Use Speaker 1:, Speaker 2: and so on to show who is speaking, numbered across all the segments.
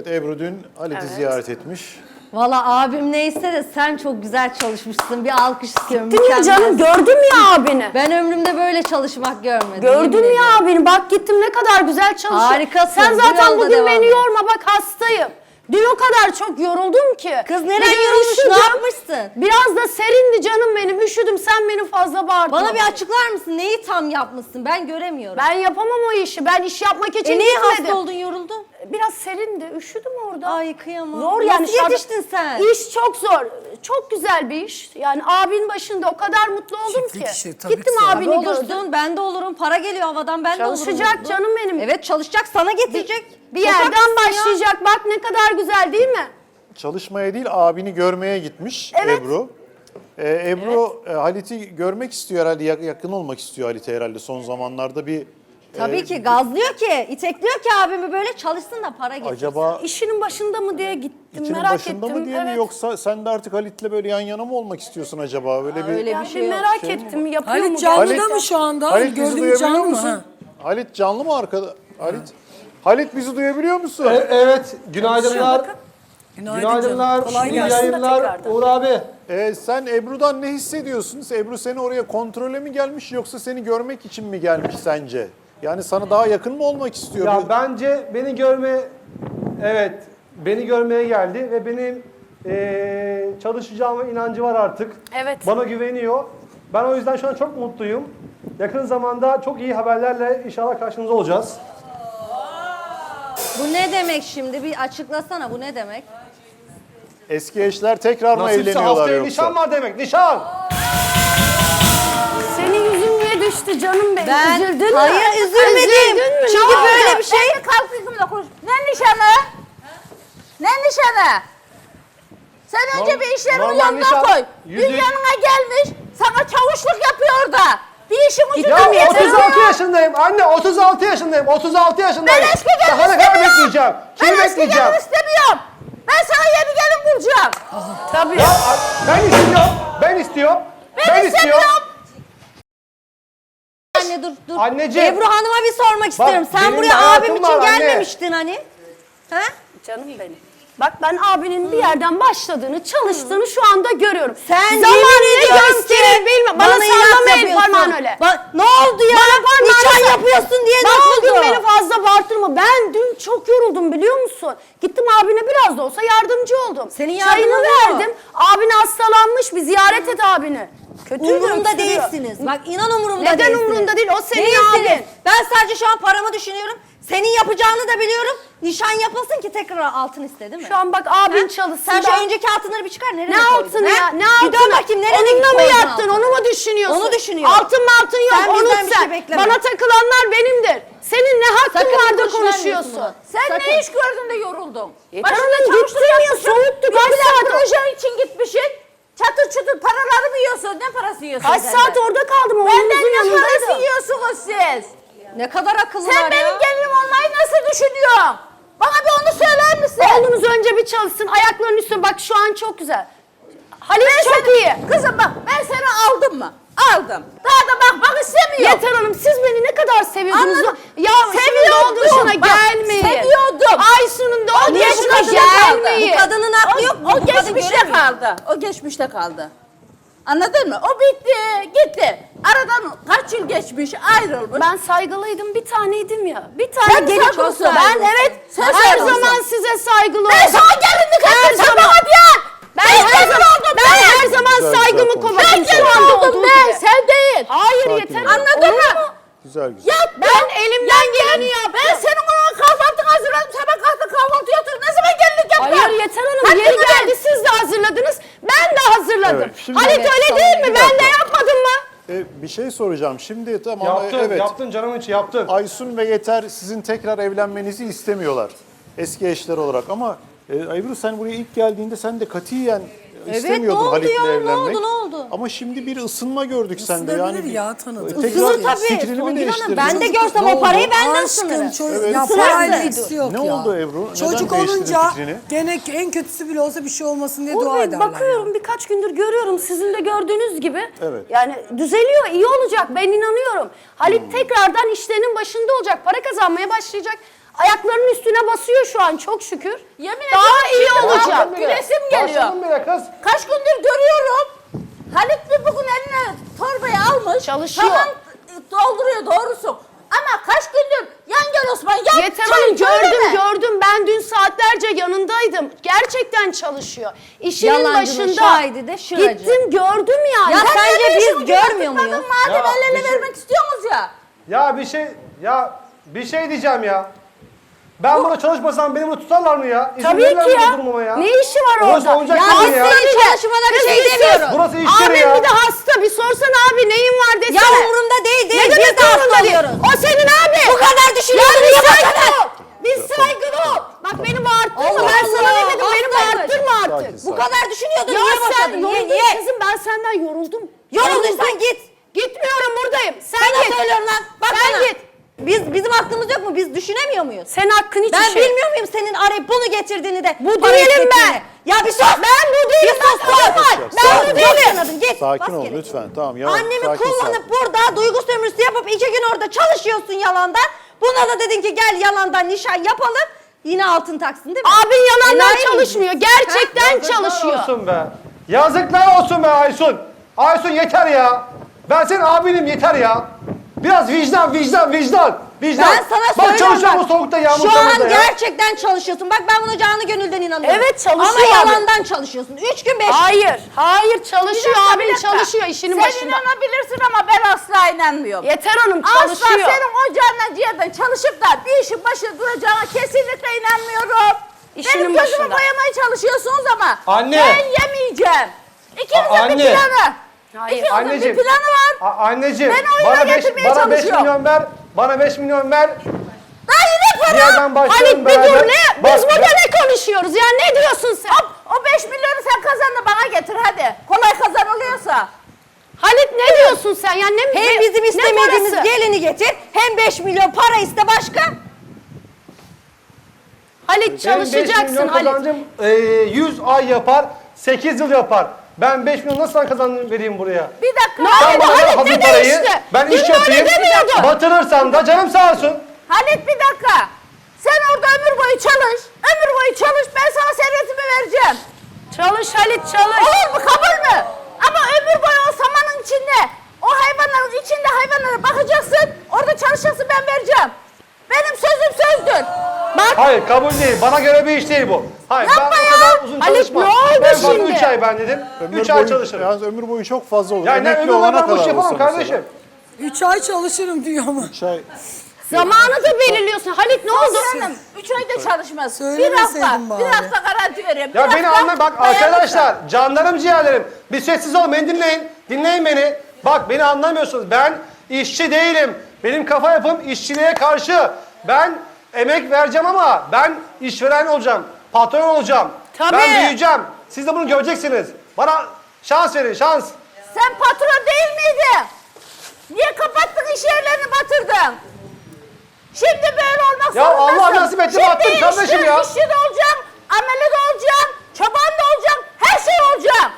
Speaker 1: Evet, Ebru dün Halit'i ziyaret etmiş.
Speaker 2: Valla abim neyse de sen çok güzel çalışmışsın. Bir alkış istiyorum.
Speaker 3: Değil mi canım? Gördüm ya abini.
Speaker 2: Ben ömrümde böyle çalışmak görmedim.
Speaker 3: Gördüm ya abini. Bak gittim ne kadar güzel çalışıyor.
Speaker 2: Harikasın.
Speaker 3: Sen
Speaker 2: Bu
Speaker 3: zaten
Speaker 2: yolda
Speaker 3: bugün
Speaker 2: devam
Speaker 3: beni
Speaker 2: et.
Speaker 3: yorma. Bak hastayım. Dün o kadar çok yoruldum ki.
Speaker 2: Kız
Speaker 3: Bir
Speaker 2: nereye
Speaker 3: de
Speaker 2: yorulmuş?
Speaker 3: üşüdüm.
Speaker 2: Ne yapmışsın?
Speaker 3: Biraz da serindi canım benim. Üşüdüm. Sen beni fazla bağırdın.
Speaker 2: Bana bir açıklar mısın? Neyi tam yapmışsın? Ben göremiyorum.
Speaker 3: Ben yapamam o işi. Ben iş yapmak için
Speaker 2: niye
Speaker 3: gitmedim.
Speaker 2: hasta oldun, yoruldun?
Speaker 3: Biraz serindi. Üşüdüm orada.
Speaker 2: Ay kıyamam.
Speaker 3: Zor
Speaker 2: Nasıl
Speaker 3: yani.
Speaker 2: yetiştin sen?
Speaker 3: İş çok zor. Çok güzel bir iş. Yani abinin başında o kadar mutlu oldum
Speaker 4: Çiftlik
Speaker 3: ki.
Speaker 4: işi, tabii
Speaker 3: Gittim
Speaker 4: ki zor.
Speaker 3: abini
Speaker 2: Abi
Speaker 3: gördüm.
Speaker 2: olursun, ben de olurum. Para geliyor havadan, ben de olurum.
Speaker 3: Çalışacak
Speaker 2: mutlu.
Speaker 3: canım benim.
Speaker 2: Evet çalışacak, sana getirecek.
Speaker 3: Bir
Speaker 2: Çok
Speaker 3: yerden
Speaker 2: haklısın ya.
Speaker 3: başlayacak. Bak ne kadar güzel değil mi?
Speaker 1: Çalışmaya değil, abini görmeye gitmiş
Speaker 3: Evet.
Speaker 1: Ebru. Ebru Halit'i görmek istiyor herhalde, yakın olmak istiyor Halit'e herhalde son zamanlarda bir...
Speaker 2: Tabii ki gazlıyor ki, itekliyor ki abimi böyle çalışsın da para getirsin.
Speaker 1: Acaba
Speaker 3: İşinin başında mı diye gittim.
Speaker 1: içinin
Speaker 3: Merak
Speaker 1: başında
Speaker 3: ettim.
Speaker 1: mı diye mi, yoksa sen de artık Halit'le böyle yan yana mı olmak istiyorsun acaba? Öyle bir...
Speaker 2: öyle
Speaker 3: Yani
Speaker 2: bir şey yok.
Speaker 3: merak ettim. Yapıyor mu?
Speaker 4: Halit canlıda
Speaker 1: Halit-
Speaker 4: mı şu anda?
Speaker 1: Halit bizi
Speaker 4: Gördüğümüz
Speaker 1: duyabiliyor
Speaker 4: canlı mı?
Speaker 1: musun?
Speaker 4: Ha.
Speaker 1: Halit canlı mı arkada? Halit bizi duyabiliyor musun?
Speaker 5: Evet, günaydınlar.
Speaker 4: Günaydın
Speaker 5: Günaydınlar,
Speaker 4: canım. Kolay
Speaker 5: iyi
Speaker 4: gelsin.
Speaker 5: yayınlar
Speaker 3: tekrardan.
Speaker 5: Uğur abi.
Speaker 1: Sen Ebru'dan ne hissediyorsun? Ebru seni oraya kontrole mi gelmiş, yoksa seni görmek için mi gelmiş sence? Yani sana daha yakın mı olmak istiyor?
Speaker 5: Ya bence beni görmeye geldi ve benim çalışacağıma inancı var artık.
Speaker 3: Evet.
Speaker 5: Bana güveniyor. Ben o yüzden şu an çok mutluyum. Yakın zamanda çok iyi haberlerle inşallah karşınızda olacağız.
Speaker 2: Bu ne demek şimdi? Bir açıklasana, bu ne demek?
Speaker 1: Eski eşler tekrar mı
Speaker 5: Nasipse
Speaker 1: evleniyorlar
Speaker 5: haftaya
Speaker 1: yoksa?
Speaker 5: nişan var demek, nişan!
Speaker 3: Senin yüzün niye düştü canım benim?
Speaker 2: Ben,
Speaker 3: Üzüldün mü?
Speaker 2: hayır üzülmedim.
Speaker 3: Üzüldün mü?
Speaker 2: Çünkü
Speaker 3: Ne
Speaker 2: böyle
Speaker 3: oldu?
Speaker 2: bir şey...
Speaker 6: Ben de kalkıyordum da konuş. Ne nişanı? Ne nişanı? Sen önce bir işlerini
Speaker 5: normal
Speaker 6: yoluna
Speaker 5: nişan,
Speaker 6: koy.
Speaker 5: yüzük.
Speaker 6: Dünyanına gelmiş, sana çavuşluk yapıyor orada. Bir işin
Speaker 5: Ya
Speaker 6: ucundan getiriyor.
Speaker 5: 36 yaşındayım anne, 36 yaşındayım, 36 yaşındayım.
Speaker 6: Ben eski gelin
Speaker 5: Daha ne kadar
Speaker 6: istemiyorum.
Speaker 5: bekleyeceğim? Kimi
Speaker 6: Ben eski
Speaker 5: bekleyeceğim?
Speaker 6: gelin istemiyorum. Ben sana yeni gelin bulacağım.
Speaker 3: Tabii.
Speaker 5: Ya ben istiyorum.
Speaker 6: Ben istemiyorum.
Speaker 2: Anne dur.
Speaker 5: Anneciğim.
Speaker 2: Ebru Hanım'a bir sormak istiyorum. Sen
Speaker 5: benim bir
Speaker 2: buraya
Speaker 5: hayatım
Speaker 2: abim için
Speaker 5: var anne.
Speaker 2: gelmemiştin hani. Ha?
Speaker 3: Canım benim. Bak ben abinin bir yerden başladığını, çalıştığını şu anda görüyorum.
Speaker 2: Sen
Speaker 3: Zaman
Speaker 2: yemin
Speaker 3: ne
Speaker 2: ediyorum
Speaker 3: gösterir
Speaker 2: ki
Speaker 3: bilmem. Bana
Speaker 2: inat
Speaker 3: sallama el
Speaker 2: yapıyorsun.
Speaker 3: parmağın öyle.
Speaker 2: Ne oldu ya? Nişan yapıyorsun diye ne
Speaker 3: Bak
Speaker 2: oldu?
Speaker 3: bugün beni fazla bağırtırma. Ben dün çok yoruldum biliyor musun? Gittim abine biraz da olsa yardımcı oldum.
Speaker 2: Senin
Speaker 3: Çayını
Speaker 2: yardımın var mı?
Speaker 3: verdim. Abine hastalanmış, bir ziyaret et abini. Kötü
Speaker 2: Umurumda
Speaker 3: öksürüyor.
Speaker 2: değilsiniz. Bak inan umurumda
Speaker 3: Neden
Speaker 2: değilsiniz.
Speaker 3: umurunda değil? O senin
Speaker 2: Değilsiniz.
Speaker 3: abin.
Speaker 2: Ben sadece şu an paramı düşünüyorum. Senin yapacağını da biliyorum. Nişan yapılsın ki tekrar altın iste değil mi?
Speaker 3: Şu an bak abin
Speaker 2: Ha?
Speaker 3: çalışsın.
Speaker 2: Sen şu
Speaker 3: da-
Speaker 2: önceki altınları bir çıkar. Nereye
Speaker 3: Ne
Speaker 2: koydun,
Speaker 3: altını
Speaker 2: ha?
Speaker 3: ya? Ne
Speaker 2: Bir
Speaker 3: altını?
Speaker 2: dön bakayım nereye
Speaker 3: Onunla mı
Speaker 2: koydun
Speaker 3: yattın?
Speaker 2: altını?
Speaker 3: Onu mu düşünüyorsun?
Speaker 2: Onu düşünüyorum.
Speaker 3: Altın yok.
Speaker 2: Sen
Speaker 3: Onu
Speaker 2: bizden bir şey bekleme.
Speaker 3: Bana takılanlar benimdir. Senin ne hakkın
Speaker 2: Sakın
Speaker 3: vardır
Speaker 2: boş vermiyorsun
Speaker 3: konuşuyorsun.
Speaker 2: bunu.
Speaker 6: Sen
Speaker 2: Sakın.
Speaker 6: ne iş gördün de yoruldun?
Speaker 3: Yeter
Speaker 6: Başında
Speaker 3: hanım,
Speaker 6: çavuşluk
Speaker 3: gittim ya,
Speaker 6: yapmışsın.
Speaker 3: soğuktu,
Speaker 6: Bir
Speaker 3: kaç
Speaker 6: de
Speaker 3: saat o-
Speaker 6: projen için gitmişsin. Çatır çutur paraları mı yiyorsun? Ne parası yiyorsun
Speaker 3: Kaç
Speaker 6: sen
Speaker 3: saat
Speaker 6: de?
Speaker 3: orada kaldım?
Speaker 6: Benden
Speaker 3: Oğlumuzun
Speaker 6: ne parası
Speaker 3: yanındaydım.
Speaker 6: yiyorsunuz siz?
Speaker 2: Ne kadar akıllılar
Speaker 6: Sen
Speaker 2: ya.
Speaker 6: benim gelinim olmayı nasıl düşünüyorsun? Bana bir onu söyler misin?
Speaker 3: Oğlunuz önce bir çalışsın. Ayaklarının üstüne bak şu an çok güzel. Halit çok
Speaker 6: seni-
Speaker 3: iyi.
Speaker 6: Kızım bak ben seni aldım mı? Aldım. Daha da bakmak istemiyorum.
Speaker 3: Yeter Hanım siz beni ne kadar seviyordunuz.
Speaker 6: Anladım.
Speaker 3: Ya
Speaker 6: Seviyordum.
Speaker 3: Seviyordum.
Speaker 6: Bak,
Speaker 3: gelmeyin.
Speaker 6: seviyordum.
Speaker 3: Aysun'un
Speaker 6: O
Speaker 3: doğum yaşına
Speaker 6: geçmişte kaldı.
Speaker 3: gelmeyin.
Speaker 2: Bu kadının aklı yok mu?
Speaker 6: O
Speaker 2: Bu kadın
Speaker 6: geçmişte
Speaker 2: göremiyor.
Speaker 6: kaldı. O geçmişte kaldı. Anladın mı? O bitti, gitti. Aradan kaç yıl geçmiş, ayrılmış.
Speaker 3: Ben saygılıydım, bir taneydim ya. Bir
Speaker 6: Sen
Speaker 3: tane gelip
Speaker 6: saygılısın.
Speaker 3: ben evet
Speaker 6: Sen
Speaker 3: her
Speaker 6: saygılısın.
Speaker 3: zaman size saygılı
Speaker 6: Ben
Speaker 3: oldum.
Speaker 6: sana gelinlik
Speaker 3: Her
Speaker 6: ettim, sen
Speaker 3: zaman.
Speaker 6: bana diyen.
Speaker 3: Ben
Speaker 6: Ben
Speaker 3: her
Speaker 6: gelin
Speaker 3: zaman
Speaker 6: oldum,
Speaker 3: ben her zaman
Speaker 1: Güzel,
Speaker 3: saygımı
Speaker 1: güzel
Speaker 3: kovadım.
Speaker 6: Ben
Speaker 1: konuşuyorsun.
Speaker 3: Şu
Speaker 6: gelin
Speaker 3: anda
Speaker 6: oldum
Speaker 3: olduğu
Speaker 6: ben,
Speaker 3: gibi.
Speaker 6: sen değil.
Speaker 3: Hayır
Speaker 1: Sakin
Speaker 3: yeter.
Speaker 1: ol.
Speaker 6: Anladın mı?
Speaker 1: Güzel güzel.
Speaker 6: Ya
Speaker 3: Ben elimden geleni yaptım.
Speaker 6: Ben senin ona kahvaltını hazırladım. Sen bana kalktın kahvaltı yatırdın. Ne zaman gelinlik yaptın?
Speaker 3: Hayır Yeter Hanım
Speaker 6: Hakkını
Speaker 3: yeri
Speaker 6: ver.
Speaker 3: geldi siz de hazırladınız. Ben de hazırladım.
Speaker 1: Evet, şimdi-
Speaker 3: Halit
Speaker 1: Evet,
Speaker 3: öyle
Speaker 2: tamam,
Speaker 3: değil mi?
Speaker 1: bir
Speaker 3: Ben de
Speaker 1: dakika.
Speaker 3: yapmadım mı?
Speaker 1: Bir şey soracağım. Şimdi tamam
Speaker 5: Yaptın,
Speaker 1: evet.
Speaker 5: yaptın canım için yaptın.
Speaker 1: Aysun ve Yeter sizin tekrar evlenmenizi istemiyorlar. Eski eşler olarak ama Ebru sen buraya ilk geldiğinde sen de katiyen istemiyordun
Speaker 2: ne oldu
Speaker 1: Halit'le
Speaker 2: ya? Ne
Speaker 1: evlenmek.
Speaker 2: oldu, ne oldu?
Speaker 1: Ama şimdi bir ısınma gördük sende. Yani
Speaker 4: Isınabilir ya, tanıdık.
Speaker 1: tekrar
Speaker 2: Isınır tabii.
Speaker 1: fikrini mi
Speaker 2: Songül Hanım,
Speaker 1: değiştirdin?
Speaker 2: ben de
Speaker 1: Ne
Speaker 2: görsem o
Speaker 1: oldu?
Speaker 2: parayı benden
Speaker 4: Aşkım
Speaker 2: sınırım.
Speaker 4: çocuk
Speaker 1: Evet.
Speaker 4: ya
Speaker 2: Isınırsın.
Speaker 4: parayla ilgisi yok
Speaker 1: Ne
Speaker 4: ya.
Speaker 1: oldu Ebru? Neden
Speaker 4: Çocuk
Speaker 1: değiştirdin
Speaker 4: olunca
Speaker 1: fikrini?
Speaker 4: gene en kötüsü bile olsa bir şey olmasın diye
Speaker 3: Uğur
Speaker 4: dua
Speaker 3: Bey,
Speaker 4: ederler.
Speaker 3: bakıyorum birkaç gündür görüyorum sizin de gördüğünüz gibi.
Speaker 1: Evet.
Speaker 3: Yani düzeliyor, iyi olacak ben inanıyorum. Halit tekrardan işlerinin başında olacak, para kazanmaya başlayacak. Ayaklarının üstüne basıyor şu an çok şükür.
Speaker 6: Yemin
Speaker 3: Daha
Speaker 6: ediyorum,
Speaker 3: iyi
Speaker 6: şimdi
Speaker 3: olacak.
Speaker 6: kalkıp gülesim geliyor.
Speaker 5: Başladım bile kız.
Speaker 6: Kaç gündür görüyorum. Halit bir bugün eline torbayı almış.
Speaker 3: Çalışıyor.
Speaker 6: Tamam dolduruyor doğrusu. Ama kaç gündür yan gel Osman yan.
Speaker 3: Yeter
Speaker 6: çay,
Speaker 3: Hanım
Speaker 6: söyleme.
Speaker 3: gördüm. Ben dün saatlerce yanındaydım. Gerçekten çalışıyor. İşinin
Speaker 2: Yalancının
Speaker 3: başında.
Speaker 2: şahidi de şıracı.
Speaker 3: Gittim gördüm yani.
Speaker 2: Ya
Speaker 6: Sen
Speaker 2: sence
Speaker 6: de
Speaker 2: biz
Speaker 6: işimi
Speaker 2: görmüyor
Speaker 6: yaptırmadın
Speaker 2: muyuz?
Speaker 6: Madem
Speaker 5: Ya,
Speaker 6: el ele
Speaker 5: bir şey-
Speaker 6: vermek istiyorsunuz ya.
Speaker 5: Bir şey diyeceğim ya. Ben burada çalışmasam beni burada tutarlar mı ya? İzin
Speaker 3: Tabii
Speaker 5: verirler
Speaker 3: ki
Speaker 5: mi
Speaker 3: ya.
Speaker 5: bu durumuma ya?
Speaker 3: Ne işi var
Speaker 5: Burası
Speaker 3: orada?
Speaker 5: oyuncak
Speaker 2: Ya
Speaker 5: değil
Speaker 2: biz
Speaker 5: ya.
Speaker 2: senin çalışmana bir
Speaker 3: Kız
Speaker 2: şey
Speaker 3: bir sus.
Speaker 2: demiyoruz.
Speaker 5: Burası iş yeri
Speaker 3: Abim
Speaker 5: ya.
Speaker 3: bir de hasta. Bir sorsana abi neyin var desene.
Speaker 2: Ya umurumda değil
Speaker 3: Ne
Speaker 2: Biz
Speaker 3: demek
Speaker 2: de hasta
Speaker 3: umurumda değil?
Speaker 2: oluyoruz.
Speaker 3: O senin abi.
Speaker 2: Bu kadar düşünüyorsun,
Speaker 3: Ya bir
Speaker 2: niye
Speaker 3: saygılı
Speaker 2: bakana?
Speaker 3: ol. Bir saygılı ol. Bak beni bağırttırma.
Speaker 2: Allah
Speaker 3: Ben sana ne
Speaker 2: Allah,
Speaker 3: dedim? Beni
Speaker 2: hastaymış.
Speaker 3: bağırttırma artık.
Speaker 1: Sakin,
Speaker 2: Bu kadar düşünüyordun,
Speaker 3: Ya
Speaker 2: niye
Speaker 3: sen
Speaker 2: boşadın? Niye,
Speaker 3: yoruldun
Speaker 2: niye?
Speaker 3: kızım, ben senden yoruldum.
Speaker 2: Yorulduysan git.
Speaker 3: Gitmiyorum, buradayım. Sen
Speaker 2: Sana
Speaker 3: git.
Speaker 2: söylüyorum lan. Bak
Speaker 3: Sen
Speaker 2: bana.
Speaker 3: git.
Speaker 2: Bizim aklımız yok mu? Biz düşünemiyor muyuz?
Speaker 3: Senin hakkın hiçbir
Speaker 2: Ben
Speaker 3: şey.
Speaker 2: bilmiyor muyum senin arayıp bunu getirdiğini de?
Speaker 3: Bu
Speaker 2: para
Speaker 3: değilim
Speaker 2: istettiğini?
Speaker 3: ben.
Speaker 2: Ya bir sus.
Speaker 3: Ben bu değilim,
Speaker 2: Bir sus.
Speaker 3: ben normal. Ben bu değilim.
Speaker 2: Git.
Speaker 1: Sakin
Speaker 2: bas
Speaker 1: ol
Speaker 2: geri.
Speaker 1: lütfen. Tamam ya.
Speaker 2: Annemi
Speaker 1: sakin,
Speaker 2: kullanıp
Speaker 1: sakin.
Speaker 2: burada duygu sömürüsü yapıp 2 gün orada çalışıyorsun yalandan. Buna da dedin ki gel yalandan nişan yapalım. Yine altın taksın değil mi?
Speaker 3: Abin yalandan
Speaker 2: Enayi misin?
Speaker 3: çalışmıyor. Gerçekten
Speaker 5: Yazıklar
Speaker 3: çalışıyor.
Speaker 5: olsun be. Yazıklar olsun be Aysun. Aysun yeter ya. Ben senin abinim yeter ya. Biraz vicdan.
Speaker 2: Ben sana
Speaker 5: Bak
Speaker 2: söylüyorum
Speaker 5: çalışıyorum bu
Speaker 2: bak.
Speaker 5: soğukta yağmur
Speaker 2: Şu an
Speaker 5: çamurda ya.
Speaker 2: gerçekten çalışıyorsun. Bak ben buna canı gönülden inanıyorum.
Speaker 3: Evet, çalışıyor
Speaker 2: Ama
Speaker 3: abi.
Speaker 2: yalandan çalışıyorsun. 3 gün 5 gün.
Speaker 3: Hayır çalışıyor.
Speaker 6: Bir
Speaker 3: Abin
Speaker 6: dakika.
Speaker 3: çalışıyor işinin
Speaker 6: Sen
Speaker 3: başında.
Speaker 6: inanabilirsin ama ben asla inanmıyorum.
Speaker 3: Yeter Hanım
Speaker 6: Asla
Speaker 3: çalışıyor.
Speaker 6: senin ocağından ciğerden çalışıp da bir işin başında duracağına kesinlikle inanmıyorum.
Speaker 3: İşinin
Speaker 6: Benim gözümü
Speaker 3: başında.
Speaker 6: boyamaya çalışıyorsunuz ama
Speaker 5: Anne.
Speaker 6: ben yemeyeceğim. İkinizin
Speaker 5: Anne.
Speaker 6: bir planı.
Speaker 3: Hayır.
Speaker 6: İkinizin
Speaker 5: Anneciğim.
Speaker 6: bir planı var.
Speaker 5: Anneciğim.
Speaker 6: Ben oyuna
Speaker 5: Bana 5
Speaker 6: getirmeye
Speaker 5: bana 5
Speaker 6: çalışıyor.
Speaker 5: milyon ver. Bana 5 milyon ver.
Speaker 6: Daha yine para.
Speaker 5: Diğerden başlayalım
Speaker 3: Halit bir
Speaker 5: beraber.
Speaker 3: dur ne?
Speaker 5: Bak,
Speaker 3: Biz burada ne konuşuyoruz ya? Ne diyorsun sen?
Speaker 6: O 5 milyonu sen kazan da bana getir hadi. Kolay kazanılıyorsa.
Speaker 3: Halit ne diyorsun sen? Ya ne
Speaker 2: Hem bizim
Speaker 3: ne
Speaker 2: istemediğimiz
Speaker 3: parası?
Speaker 2: gelini getir, hem 5 milyon para iste başka.
Speaker 3: Halit
Speaker 5: Benim 5
Speaker 3: çalışacaksın
Speaker 5: milyon
Speaker 3: Halit.
Speaker 5: kazancım 100 ay yapar, 8 yıl yapar. Ben 5 milyon nasıl kazandım vereyim buraya?
Speaker 6: Bir dakika.
Speaker 3: Ne
Speaker 5: Sen
Speaker 3: oldu
Speaker 5: bana ver
Speaker 3: Halit
Speaker 5: hazır
Speaker 3: ne
Speaker 5: parayı,
Speaker 3: değişti?
Speaker 5: ben
Speaker 3: Dün
Speaker 5: iş
Speaker 3: böyle
Speaker 5: yapayım,
Speaker 3: demiyordun.
Speaker 5: batırırsam da canım sağ olsun.
Speaker 6: Halit bir dakika. Sen orada ömür boyu çalış. Ömür boyu çalış. Ben sana servetimi vereceğim.
Speaker 3: Çalış Halit çalış.
Speaker 6: Olur mu? Kabul mü? Ama ömür boyu o samanın içinde, o hayvanların içinde hayvanlara bakacaksın. Orada çalışacaksın ben vereceğim. Benim sözüm sözdür. Bak.
Speaker 5: Hayır kabul değil, bana göre bir iş değil bu. Hayır
Speaker 6: Yapma
Speaker 5: ben
Speaker 6: ya.
Speaker 5: o kadar uzun
Speaker 3: Halit,
Speaker 5: çalışmam.
Speaker 3: ne oldu
Speaker 5: Ben fazla
Speaker 3: şimdi?
Speaker 5: 3 ay ben dedim, 3 ay çalışırım.
Speaker 1: Yalnız ömür boyu çok fazla olur.
Speaker 5: Yani ne
Speaker 1: Emekli
Speaker 5: ömür boyu
Speaker 1: olana
Speaker 5: ben bu işi
Speaker 1: kadar
Speaker 5: yapamam
Speaker 1: olsa mesela.
Speaker 5: kardeşim.
Speaker 4: 3 ay çalışırım diyor ama.
Speaker 1: 3 ay.
Speaker 3: Zamanı da belirliyorsun. Halit ne oldu?
Speaker 6: Hanım 3 ayda çalışmaz. Bir
Speaker 4: Söylemeseydin
Speaker 6: hafta,
Speaker 4: bari.
Speaker 6: bir hafta garanti veriyorum.
Speaker 5: Ya
Speaker 6: Bir
Speaker 5: beni
Speaker 6: hafta
Speaker 5: anla bak
Speaker 6: dayanırsın.
Speaker 5: arkadaşlar, canlarım ciğerlerim. Bir sessiz olun, beni dinleyin. Dinleyin beni. Bak beni anlamıyorsunuz. Ben işçi değilim. Benim kafa yapım işçiliğe karşı. Ben emek vereceğim ama ben işveren olacağım. Patron olacağım.
Speaker 3: Tabii.
Speaker 5: Ben büyüyeceğim. Siz de bunu göreceksiniz. Bana şans verin, şans.
Speaker 6: Sen patron değil miydin? Niye kapattın iş yerlerini batırdın? Şimdi böyle olmak
Speaker 5: Ya
Speaker 6: zorundasın.
Speaker 5: Allah nasip etti, battım kardeşim ya.
Speaker 6: İşçi de olacağım, ameli de olacağım, çoban da olacağım, her şey olacağım.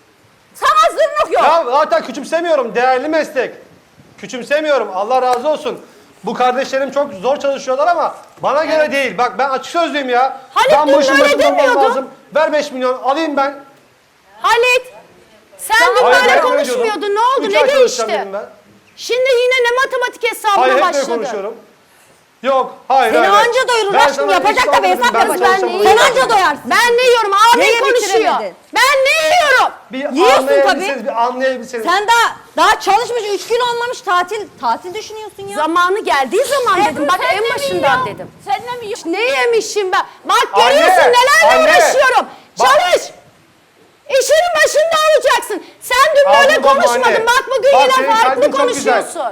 Speaker 6: Sana zırnık yok.
Speaker 5: Ya zaten küçümsemiyorum. Değerli meslek. Küçümsemiyorum. Allah razı olsun. Bu kardeşlerim çok zor çalışıyorlar ama bana göre değil. Bak ben açık sözlüyüm ya.
Speaker 3: Halit
Speaker 5: ben
Speaker 3: dün
Speaker 5: bu işin
Speaker 3: böyle
Speaker 5: başında olmam
Speaker 3: demiyordun.
Speaker 5: lazım. Ver 5 milyon alayım ben.
Speaker 3: Halit sen dün
Speaker 5: Hayır,
Speaker 3: böyle
Speaker 5: ben
Speaker 3: konuşmuyordun. Ne oldu?
Speaker 5: 3
Speaker 3: Ne
Speaker 5: ay çalışacağım
Speaker 3: değişti?
Speaker 5: dedim ben.
Speaker 3: Şimdi yine ne matematik hesabına
Speaker 5: Hayır hep böyle
Speaker 3: başladın?
Speaker 5: konuşuyorum. Yok hayır
Speaker 2: Seni
Speaker 5: hayır.
Speaker 2: anca doyurur
Speaker 5: Ben
Speaker 2: aşkım,
Speaker 5: sana
Speaker 2: yapacak
Speaker 5: iş
Speaker 2: da bir
Speaker 5: vermedim,
Speaker 2: hesap
Speaker 5: ben
Speaker 2: yapacak.
Speaker 5: çalışacağım
Speaker 2: Sen
Speaker 5: bunu.
Speaker 2: anca doyarsın.
Speaker 3: Ben ne yiyorum? Abin
Speaker 2: Neyi
Speaker 3: konuşuyor.
Speaker 2: bitiremedin?
Speaker 3: Ben ne yiyorum?
Speaker 5: Bir
Speaker 2: Yiyorsun
Speaker 5: anlayabilseniz,
Speaker 2: tabii.
Speaker 5: bir anlayabilseniz.
Speaker 2: Sen daha çalışmış 3 gün olmamış tatil düşünüyorsun ya.
Speaker 3: Zamanı geldiği zaman dedim. Bak
Speaker 6: Sen
Speaker 3: en
Speaker 6: de mi
Speaker 3: başından
Speaker 6: yiyorsun?
Speaker 3: dedim.
Speaker 6: Sen de mi yiyorsun?
Speaker 3: Ne yemişim ben? Bak
Speaker 5: Anne,
Speaker 3: görüyorsun nelerle
Speaker 5: anne.
Speaker 3: uğraşıyorum.
Speaker 5: Bak.
Speaker 3: Çalış. İşinin başında olacaksın. Sen dün böyle
Speaker 5: Ağzını bozma
Speaker 3: konuşmadın.
Speaker 5: anne.
Speaker 3: Bak bugün
Speaker 5: Bak,
Speaker 3: yine
Speaker 5: senin
Speaker 3: farklı
Speaker 5: kalbin çok güzel.
Speaker 3: konuşuyorsun.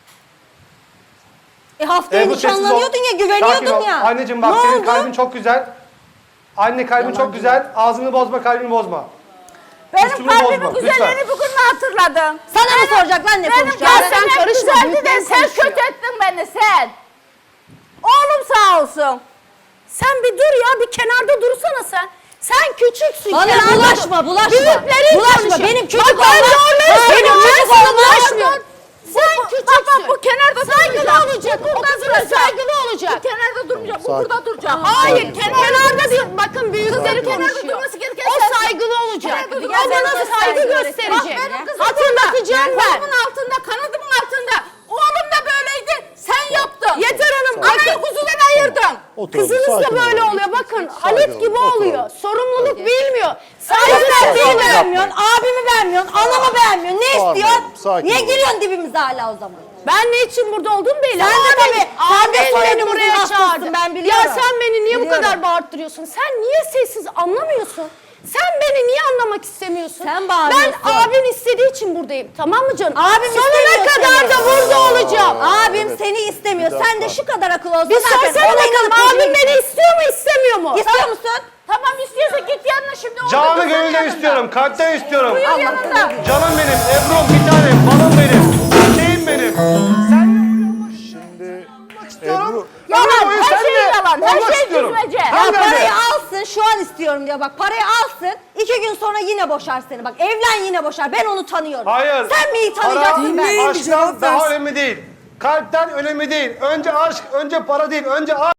Speaker 2: Haftaya
Speaker 5: Bu sessiz ol.
Speaker 2: nişanlanıyordun ya,
Speaker 5: Sakin
Speaker 2: güveniyordun
Speaker 5: ol.
Speaker 2: ya.
Speaker 5: Anneciğim bak
Speaker 2: Ne
Speaker 5: senin
Speaker 2: oldu?
Speaker 5: kalbin çok güzel. Anne kalbin çok güzel. Ağzını bozma, kalbini bozma.
Speaker 6: Benim
Speaker 5: Üstümü
Speaker 6: kalbimin
Speaker 5: bozma,
Speaker 6: güzelliğini
Speaker 5: lütfen.
Speaker 6: bugün mü hatırladın?
Speaker 2: Sana mı soracak lan ne
Speaker 6: Benim
Speaker 2: konuşacağını?
Speaker 3: sen
Speaker 6: kalbim hep
Speaker 3: karışma,
Speaker 6: güzeldi de
Speaker 3: büyükler
Speaker 6: sen
Speaker 3: konuşuyor.
Speaker 6: kötü ettin beni sen. Oğlum sağ olsun.
Speaker 3: Sen bir dur ya, bir kenarda dursana sen. Sen küçüksün.
Speaker 2: Bana
Speaker 3: kenarda
Speaker 2: bulaşma,
Speaker 3: dur.
Speaker 2: bulaşma.
Speaker 3: Büyüklerin
Speaker 2: Bulaşma,
Speaker 3: konuşuyor.
Speaker 2: benim
Speaker 3: Bak
Speaker 2: küçük
Speaker 3: ben
Speaker 2: olmam.
Speaker 3: zorla
Speaker 2: Benim
Speaker 3: istiyorum,
Speaker 2: küçük
Speaker 3: ben sana
Speaker 2: olmam.
Speaker 3: bulaşmıyorum.
Speaker 6: Sen küçüksün. Bu kenarda
Speaker 3: Saygılı
Speaker 6: durmayacak.
Speaker 3: olacak.
Speaker 6: Bu
Speaker 3: O
Speaker 6: burada
Speaker 3: kızına
Speaker 6: duracak.
Speaker 3: saygılı olacak.
Speaker 6: Bu kenarda durmayacak. Bu
Speaker 1: Sakin.
Speaker 6: burada duracak.
Speaker 3: Hayır, kenarda diyor. Bakın büyükleri
Speaker 1: Sakin ol.
Speaker 3: konuşuyor.
Speaker 6: Kenarda durması gereken
Speaker 3: O
Speaker 6: sensin.
Speaker 3: saygılı olacak.
Speaker 6: Kenarda
Speaker 3: O
Speaker 6: durması
Speaker 3: bana
Speaker 6: gereken
Speaker 3: saygı
Speaker 6: sensin.
Speaker 3: gösterecek.
Speaker 6: Bak benim kızım
Speaker 3: Hatırlatacağım
Speaker 6: burada.
Speaker 3: ben.
Speaker 6: Kolumun altında, kanadımın altında. Oğlum da böyleydi. Sen yaptın.
Speaker 3: Yeter Hanım.
Speaker 6: Anayı kuzudan ayırdın.
Speaker 1: Oturalım,
Speaker 3: Kızınız da
Speaker 1: sakin
Speaker 3: böyle
Speaker 1: olun.
Speaker 3: oluyor. Bakın
Speaker 1: Sakin
Speaker 3: Halit
Speaker 1: olun,
Speaker 3: gibi
Speaker 1: oturalım.
Speaker 3: oluyor. Sorumluluk bilmiyor.
Speaker 1: Sakin
Speaker 3: Saygı
Speaker 1: olun.
Speaker 2: beğenmiyorsun, abimi beğenmiyorsun, anamı beğenmiyorsun. Ne
Speaker 1: Bağırmayın,
Speaker 2: istiyorsun?
Speaker 1: sakin
Speaker 2: Niye
Speaker 1: olun.
Speaker 2: giriyorsun dibimize hala o zaman?
Speaker 3: Ben ne için burada olduğum belli.
Speaker 2: Sen de tabii, sen de
Speaker 3: Abin beni
Speaker 2: soyadımızın
Speaker 3: buraya
Speaker 2: hastasın,
Speaker 3: çağırdı.
Speaker 2: ben biliyorum.
Speaker 3: Ya sen beni niye bu
Speaker 2: Biliyorum.
Speaker 3: kadar bağırttırıyorsun? Sen niye sessiz anlamıyorsun? Sen beni niye anlamak istemiyorsun?
Speaker 2: Sen bağırıyorsun.
Speaker 3: Ben abin istediği için buradayım. Tamam mı canım?
Speaker 2: Abim
Speaker 3: Sonuna
Speaker 2: istemiyor
Speaker 3: kadar
Speaker 2: seni.
Speaker 3: da burada olacağım.
Speaker 2: Abim
Speaker 1: Evet.
Speaker 2: seni istemiyor.
Speaker 1: Bir
Speaker 2: Sen de
Speaker 1: dakika.
Speaker 2: şu kadar akıl olsa
Speaker 3: Bir
Speaker 2: zaten
Speaker 3: sorsana
Speaker 2: ona
Speaker 3: bakalım
Speaker 2: inanıp
Speaker 3: abim
Speaker 2: koşuyor.
Speaker 3: beni istiyor mu istemiyor mu?
Speaker 2: İstiyor musun?
Speaker 6: Tamam istiyorsa git yanına şimdi. orada
Speaker 5: Canı
Speaker 6: dursun
Speaker 5: gönülden
Speaker 6: yanında.
Speaker 5: istiyorum. Kalpten istiyorum.
Speaker 6: Buyur yanında.
Speaker 5: Canım benim, Ebru'm bir tanem, balım benim. Çiçeğim benim. Sen
Speaker 1: Şimdi
Speaker 5: istiyorum.
Speaker 1: Ebru,
Speaker 6: Yalan,
Speaker 5: Ömür boyu
Speaker 6: her
Speaker 5: seninle
Speaker 6: şey yalan, her
Speaker 5: olmak
Speaker 6: şey
Speaker 5: istiyorum.
Speaker 6: düzmece.
Speaker 2: Ya
Speaker 5: Tam
Speaker 2: parayı
Speaker 5: nerede?
Speaker 2: alsın şu an istiyorum diyor bak parayı alsın 2 gün sonra yine boşar seni bak evlen yine boşar ben onu tanıyorum.
Speaker 5: Hayır.
Speaker 2: Sen mi iyi tanıyacaksın ben?
Speaker 4: Dinleyin. bir
Speaker 5: Aşktan
Speaker 4: cevap
Speaker 5: daha
Speaker 4: versin.
Speaker 5: önemli değil. Kalpten önemli değil. Önce aşk, önce para değil. Önce aşk.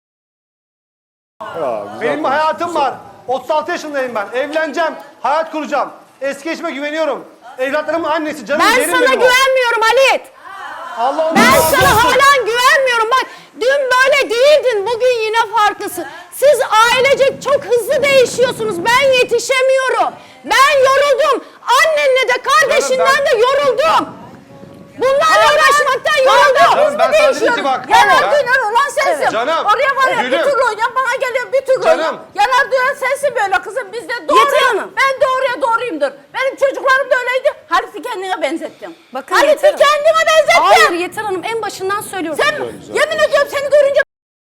Speaker 1: ya, güzel
Speaker 5: Benim bir
Speaker 1: konuş.
Speaker 5: hayatım var. 36 yaşındayım ben. Evleneceğim. Hayat kuracağım. Eski eşime güveniyorum. Evlatlarımın annesi. Canım
Speaker 3: Ben
Speaker 5: yerim
Speaker 3: sana
Speaker 5: benim o.
Speaker 3: güvenmiyorum Halit.
Speaker 5: Allah ondan
Speaker 3: Ben
Speaker 5: razı
Speaker 3: sana
Speaker 5: olsun.
Speaker 3: hala güvenmiyorum. Bak dün böyle değildin. Bugün yine farklısın. Siz ailecek çok hızlı değişiyorsunuz. Ben yetişemiyorum. Ben yoruldum. Annenle de kardeşinden de yoruldum. Bunlarla uğraşmaktan yoruldum.
Speaker 5: Canım, ben sana dedim ki bak.
Speaker 6: Yanar
Speaker 5: ben-
Speaker 6: döner olan sensin.
Speaker 5: Canım,
Speaker 6: Oraya var ya bir
Speaker 5: gülüm.
Speaker 6: türlü oynayan bana geliyor bir türlü
Speaker 5: Canım.
Speaker 6: oynayan. Yanar döner sensin böyle kızım biz de
Speaker 3: Yeter
Speaker 6: doğruyum.
Speaker 3: Hanım.
Speaker 6: Ben doğruya doğruyumdur. Benim çocuklarım da öyleydi. Halit'i kendine benzettim.
Speaker 3: Bakın
Speaker 6: Halit'i
Speaker 3: Yeter Hanım.
Speaker 6: kendine benzettim.
Speaker 3: Hayır Yeter Hanım en başından söylüyorum.
Speaker 6: Sen yemin ediyorum seni görünce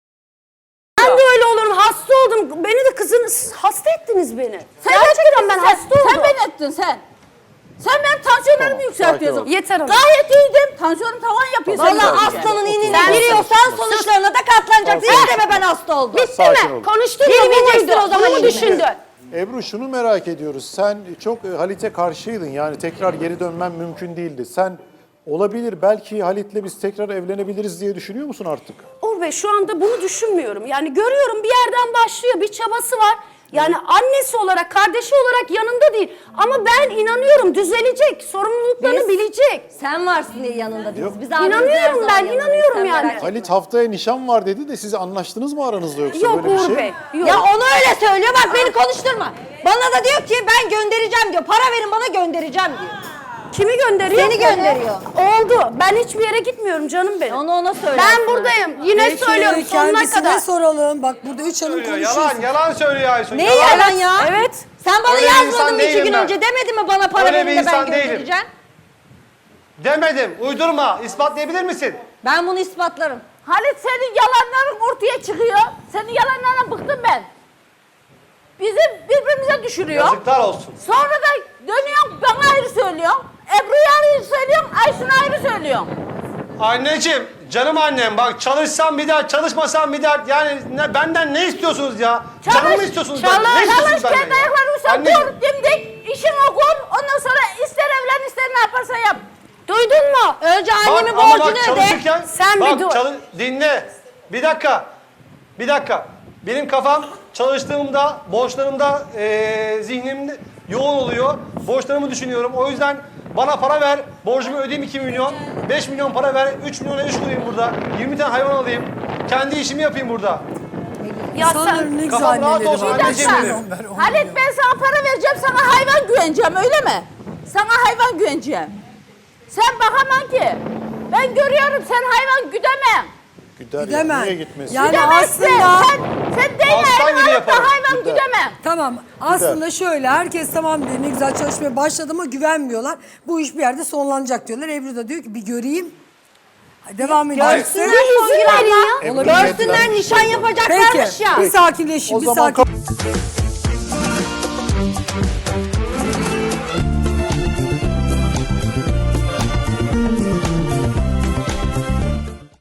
Speaker 3: Ben de öyle olurum. Hasta oldum. Beni de siz hasta ettiniz beni.
Speaker 6: sen
Speaker 3: Gerçekten ben hasta oldum.
Speaker 6: Sen beni ettin sen. Sen benim tansiyonlarımı
Speaker 1: Tamam,
Speaker 6: yükseltiyorsun.
Speaker 1: sakin ol.
Speaker 3: Yeter Hanım.
Speaker 6: Gayet iyiydim. Tansiyonum tavan yapıyor. senin
Speaker 2: Valla
Speaker 6: görünce.
Speaker 2: aslanın inine
Speaker 3: Sen
Speaker 2: giriyorsan sonuçlarına da katlanacaksın.
Speaker 1: Tamam.
Speaker 2: İsteme ben hasta oldum.
Speaker 3: Bitti
Speaker 1: Sakin
Speaker 3: mi?
Speaker 1: olun.
Speaker 3: Konuştun mu?
Speaker 2: Girmeyeceksin
Speaker 3: Buydu.
Speaker 2: o zaman
Speaker 3: Bunu mu
Speaker 2: işine.
Speaker 3: düşündün?
Speaker 1: Ebru şunu merak ediyoruz. Sen çok Halit'e karşıydın. Yani tekrar geri dönmen mümkün değildi. Sen olabilir belki Halit'le biz tekrar evlenebiliriz diye düşünüyor musun artık?
Speaker 3: Uğur Bey şu anda bunu düşünmüyorum. Yani görüyorum bir yerden başlıyor, bir çabası var. Yani annesi olarak, kardeşi olarak yanında değil. Ama ben inanıyorum düzelecek, sorumluluklarını
Speaker 2: Biz-
Speaker 3: bilecek.
Speaker 2: Sen varsın diye yanında değiliz. Biz
Speaker 1: Yok.
Speaker 2: abimizin her
Speaker 3: İnanıyorum
Speaker 2: zaman
Speaker 3: ben,
Speaker 2: yanındayız,
Speaker 3: inanıyorum
Speaker 2: sen
Speaker 3: yani.
Speaker 2: merak etme.
Speaker 1: Halit haftaya nişan var dedi de siz anlaştınız mı aranızda yoksa
Speaker 3: Yok
Speaker 1: böyle bir
Speaker 3: Uğur
Speaker 1: şey?
Speaker 3: Bey, yok.
Speaker 2: Ya onu öyle söylüyor bak beni konuşturma. Bana da diyor ki ben göndereceğim diyor. Para verin bana göndereceğim diyor.
Speaker 3: Kimi gönderiyor?
Speaker 2: Seni gönderiyor.
Speaker 3: Oldu. Ben hiçbir yere gitmiyorum canım benim.
Speaker 2: Onu ona söyle.
Speaker 3: Ben buradayım. Yine
Speaker 4: Peki,
Speaker 3: söylüyorum sonuna
Speaker 4: kendisine
Speaker 3: kadar.
Speaker 4: soralım. Bak burada 3 hanım
Speaker 5: Söylüyor,
Speaker 4: konuşuyoruz.
Speaker 5: yalan söylüyor Aysun.
Speaker 2: Ne yalan ya?
Speaker 3: Evet.
Speaker 2: Sen bana
Speaker 5: Öyle bir
Speaker 2: yazmadın
Speaker 5: insan
Speaker 2: mı 2
Speaker 5: değilim
Speaker 2: gün
Speaker 5: ben.
Speaker 2: önce demedin mi bana para
Speaker 5: Öyle
Speaker 2: verin
Speaker 5: bir
Speaker 2: de ben
Speaker 5: insan değilim.
Speaker 2: göndereceğim?
Speaker 5: Demedim. Uydurma. İspatlayabilir misin?
Speaker 2: Ben bunu ispatlarım.
Speaker 6: Halit senin yalanların ortaya çıkıyor. Senin yalanlarına bıktım ben. Bizi birbirimize düşürüyor.
Speaker 5: Yazıklar olsun.
Speaker 6: Sonra da dönüyorsun bana ayrı söylüyorsun. Ebru'ya ayrı söylüyorsun. Aysun'a ayrı söylüyorsun.
Speaker 5: Anneciğim, canım annem bak çalışsam bir dert, çalışmasam bir dert. Yani benden ne istiyorsunuz ya? Canımı mı istiyorsunuz benden? Ne istiyorsunuz
Speaker 6: Çalış
Speaker 5: benden
Speaker 6: kendi
Speaker 5: ya?
Speaker 6: ayaklarını sen
Speaker 5: Anneciğim,
Speaker 6: dur dimdik. İşin okur. Ondan sonra ister evlen ister ne yaparsan yap.
Speaker 3: Duydun mu?
Speaker 2: Önce annemin
Speaker 5: ama
Speaker 2: borcunu öde.
Speaker 5: çalışırken,
Speaker 3: Sen bir dur.
Speaker 5: dinle. Bir dakika. Bir dakika. Benim kafam çalıştığımda, borçlarımda, zihnimde yoğun oluyor. Borçlarımı düşünüyorum. O yüzden bana para ver, borcumu ödeyeyim 2 milyon. 5 milyon para ver, 3 milyona iş kurayım burada. 20 tane hayvan alayım. Kendi işimi yapayım burada.
Speaker 3: Ya sen
Speaker 4: Sanırım ne güzel
Speaker 5: Kafam rahat
Speaker 4: anneleri
Speaker 5: olsun,
Speaker 4: var.
Speaker 6: Bir
Speaker 5: anneciğim
Speaker 6: dakika.
Speaker 5: benim.
Speaker 6: Halit ben sana para vereceğim sana hayvan güveneceğim öyle mi? Sana hayvan güveneceğim. Sen bakamam ki. Ben görüyorum sen hayvan güdemem.
Speaker 1: Gider ya.
Speaker 4: Gidemem.
Speaker 1: Niye gitmesin?
Speaker 4: Yani
Speaker 6: Güdemezsin.
Speaker 4: aslında
Speaker 6: Sen değil
Speaker 5: Aslan gibi
Speaker 6: hayvan da
Speaker 5: yaparım.
Speaker 6: hayvan
Speaker 1: Güder.
Speaker 6: güdemem.
Speaker 4: tamam. Aslında şöyle herkes tamam diyor ne güzel çalışmaya başladı ama güvenmiyorlar. Bu iş bir yerde sonlanacak diyorlar. Ebru da diyor ki bir göreyim. Devam edeceksin.
Speaker 2: Görsünler son gün
Speaker 3: verin ya.
Speaker 1: Ebru
Speaker 2: Görsünler
Speaker 1: niyetlenmiş
Speaker 2: nişan
Speaker 1: oldu.
Speaker 2: yapacaklarmış
Speaker 4: Peki.
Speaker 2: ya.
Speaker 4: Bir sakinleşin.
Speaker 1: O
Speaker 4: Bir
Speaker 1: zaman
Speaker 4: sakin.